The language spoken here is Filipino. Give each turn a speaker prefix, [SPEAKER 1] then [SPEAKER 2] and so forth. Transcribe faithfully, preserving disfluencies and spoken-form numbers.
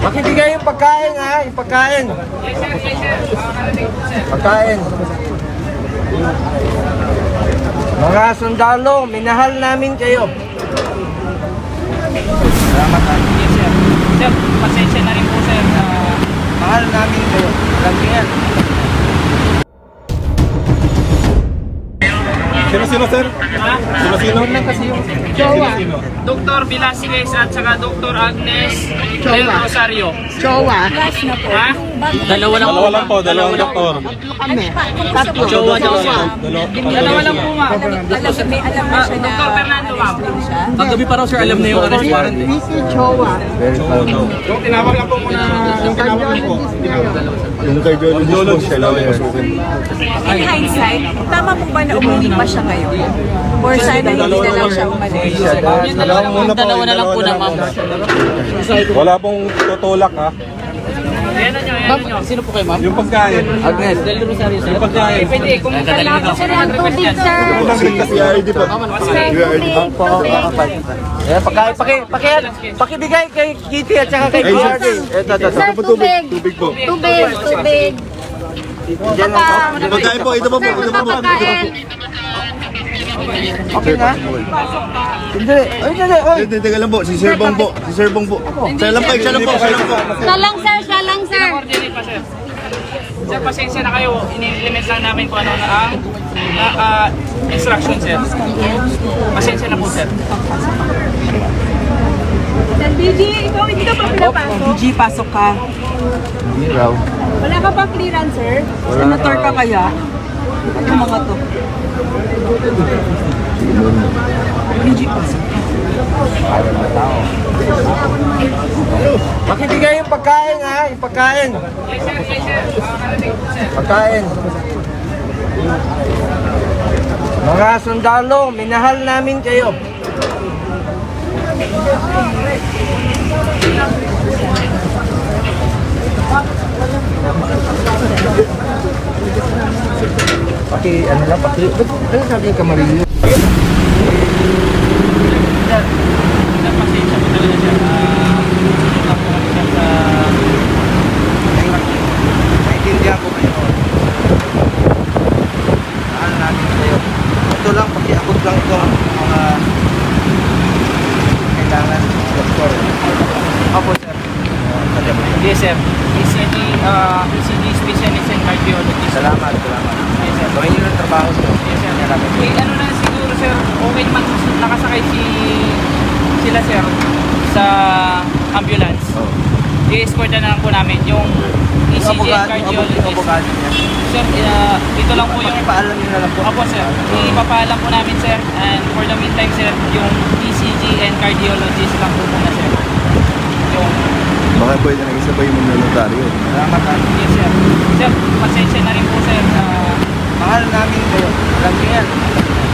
[SPEAKER 1] Makibigay yung pagkain ha, yung pagkain. Pagkain. Mga sundalo, minahal namin kayo. Salamat ha.
[SPEAKER 2] Yes, sir. Sir, pasensya na rin po, sir. Uh,
[SPEAKER 1] Mahal namin kayo. Alam niyo yan.
[SPEAKER 3] Sino-sino, sir?
[SPEAKER 2] ha?
[SPEAKER 3] Sino-sino?
[SPEAKER 2] Jowa. Doctor Velasquez at saka Doctor Agnes Del Rosario.
[SPEAKER 4] Jowa.
[SPEAKER 2] Ha?
[SPEAKER 4] Dalawa lang.
[SPEAKER 3] Dalawa lang po, dalawang doktor.
[SPEAKER 4] Kami. Tatlo.
[SPEAKER 2] Jowa daw siya.
[SPEAKER 3] Dalawa.
[SPEAKER 2] Dalawa lang po, ma'am.
[SPEAKER 4] Alam, may alam na
[SPEAKER 2] Ah,
[SPEAKER 4] siya na...
[SPEAKER 2] Doctor Fernando, ma'am.
[SPEAKER 5] Kagabi pa raw sir, alam na yung arrest warrant eh.
[SPEAKER 4] Vicky Jowa.
[SPEAKER 3] Tinawag lang po muna. Yung tinawag lang po. Yung cardiologist po siya lang.
[SPEAKER 4] In hindsight, tama po ba na umuwi pa siya ngayon? Or sana hindi na lang siya umalis?
[SPEAKER 2] Yung dalawa na po, dalawa na lang po na, ma'am.
[SPEAKER 3] Wala pong tutulak ha.
[SPEAKER 2] Ayan na nyo, ayan na nyo.
[SPEAKER 5] Sino po kayo ma'am?
[SPEAKER 3] Yung pagkain.
[SPEAKER 1] Agnes.
[SPEAKER 5] Del Rosario sir.
[SPEAKER 3] Yung pagkain.
[SPEAKER 2] Pwede, kung kailangan sir ang tubig, sir.
[SPEAKER 3] Si R D po.
[SPEAKER 1] Po, eh, pagkain, paki, paki, pakibigay kay Kitty at saka kay K R D. Ito, ito, ito.
[SPEAKER 3] Tubig. Tubig po.
[SPEAKER 6] Tubig, tubig.
[SPEAKER 1] Diyan lang po.
[SPEAKER 3] Pagkain po, ito po po. Ito po po.
[SPEAKER 6] Pagkain.
[SPEAKER 1] Okay na? Hindi. Ay, hindi. Oy.
[SPEAKER 3] Teka teka lang po, si Sir Bong po. Si Sir Bong po. Siya lang po, siya lang po, siya lang po.
[SPEAKER 6] Siya lang, sir. Siya lang, sir.
[SPEAKER 2] Coordinate pa, sir. Sir, pasensya na kayo. Ini-implement lang namin kung ano na ang ah, ah, instruction, sir. Pasensya na po, sir.
[SPEAKER 6] Sir B G, ikaw hindi ka pa pinapasok?
[SPEAKER 4] G, pasok ka.
[SPEAKER 1] Hindi raw.
[SPEAKER 6] Wala ka pa clearance, sir?
[SPEAKER 4] Senator ka kaya? Ano mga to? G, pasok.
[SPEAKER 1] Makibigay yung pagkain ha, yung pagkain.
[SPEAKER 2] Yes, sir. Yes, sir. Makakarating po, sir.
[SPEAKER 1] Pagkain. Mga sundalo, minahal namin kayo. Paki, ano lang, paki, ano sabi yung kamarilyo?
[SPEAKER 2] Sir, sir, pasensya po talaga, sir. Ah, wala po kami, sir, sa...
[SPEAKER 1] Naintindihan ko kayo. Mahal namin kayo. Ito lang, pakiabot lang ito mga kailangan doktor. Opo, sir.
[SPEAKER 2] Yes, sir. E C G, ah, E C G Specialist in Cardiologist.
[SPEAKER 1] Salamat, salamat.
[SPEAKER 2] Yes, sir.
[SPEAKER 1] Gawin nyo ng trabaho sir.
[SPEAKER 2] Yes, sir.
[SPEAKER 1] Salamat.
[SPEAKER 2] Eh, ano na siguro, sir, okay naman nakasakay si sila, sir, sa ambulance.
[SPEAKER 1] Oh.
[SPEAKER 2] I-escort na lang po namin yung E C G and cardiologist.
[SPEAKER 1] Abogado niya.
[SPEAKER 2] Sir, uh, ito lang po yung...
[SPEAKER 1] Pakipaalam nyo na lang po.
[SPEAKER 2] Opo, sir. Ipapaalam po namin, sir. And for the meantime, sir, yung E C G and cardiologist lang po muna, sir. Yung...
[SPEAKER 3] Baka pwede na isa pa yung mga notaryo.
[SPEAKER 1] Salamat ha.
[SPEAKER 2] Yes, sir. Sir, pasensya na rin po, sir. Uh,
[SPEAKER 1] Mahal namin kayo. Alam niyo yan.